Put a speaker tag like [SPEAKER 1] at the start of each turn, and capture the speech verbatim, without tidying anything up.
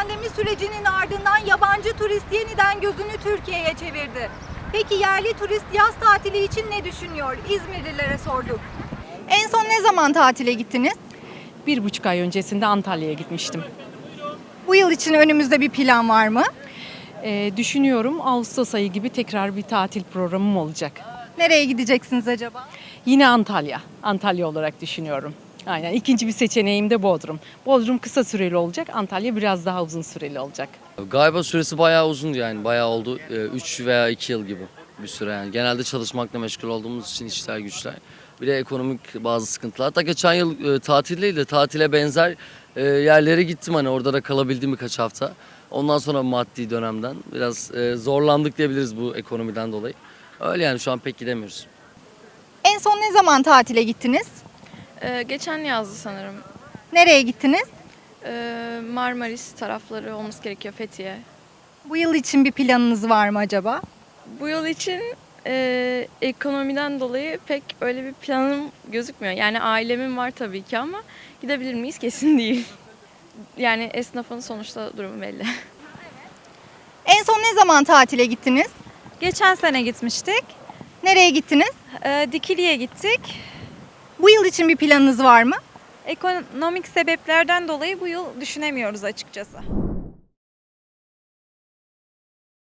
[SPEAKER 1] pandemi sürecinin ardından yabancı turist yeniden gözünü Türkiye'ye çevirdi. Peki yerli turist yaz tatili için ne düşünüyor? İzmirlilere sorduk. En son ne zaman tatile gittiniz?
[SPEAKER 2] Bir buçuk ay öncesinde Antalya'ya gitmiştim.
[SPEAKER 1] Bu yıl için önümüzde bir plan var mı?
[SPEAKER 2] Ee, düşünüyorum Ağustos ayı gibi tekrar bir tatil programım olacak.
[SPEAKER 1] Nereye gideceksiniz acaba?
[SPEAKER 2] Yine Antalya. Antalya olarak düşünüyorum. Aynen. İkinci bir seçeneğim de Bodrum. Bodrum kısa süreli olacak. Antalya biraz daha uzun süreli olacak.
[SPEAKER 3] Galiba süresi bayağı uzundu yani bayağı oldu. üç veya iki yıl gibi bir süre yani. Genelde çalışmakla meşgul olduğumuz için işler güçler. Bir de ekonomik bazı sıkıntılar. Hatta geçen yıl e, tatil değil de tatile benzer e, yerlere gittim hani orada da kalabildim birkaç hafta. Ondan sonra maddi dönemden biraz e, zorlandık diyebiliriz bu ekonomiden dolayı. Öyle yani şu an pek gidemiyoruz.
[SPEAKER 1] En son ne zaman tatile gittiniz?
[SPEAKER 4] Ee, geçen yazdı sanırım.
[SPEAKER 1] Nereye gittiniz?
[SPEAKER 4] Ee, Marmaris tarafları olması gerekiyor, Fethiye.
[SPEAKER 1] Bu yıl için bir planınız var mı acaba?
[SPEAKER 4] Bu yıl için e, ekonomiden dolayı pek öyle bir planım gözükmüyor. Yani ailemin var tabii ki ama gidebilir miyiz kesin değil. Yani esnafın sonuçta durumu belli.
[SPEAKER 1] En son ne zaman tatile gittiniz?
[SPEAKER 5] Geçen sene gitmiştik.
[SPEAKER 1] Nereye gittiniz?
[SPEAKER 5] Ee, Dikili'ye gittik.
[SPEAKER 1] Bu yıl için bir planınız var mı?
[SPEAKER 5] Ekonomik sebeplerden dolayı bu yıl düşünemiyoruz açıkçası.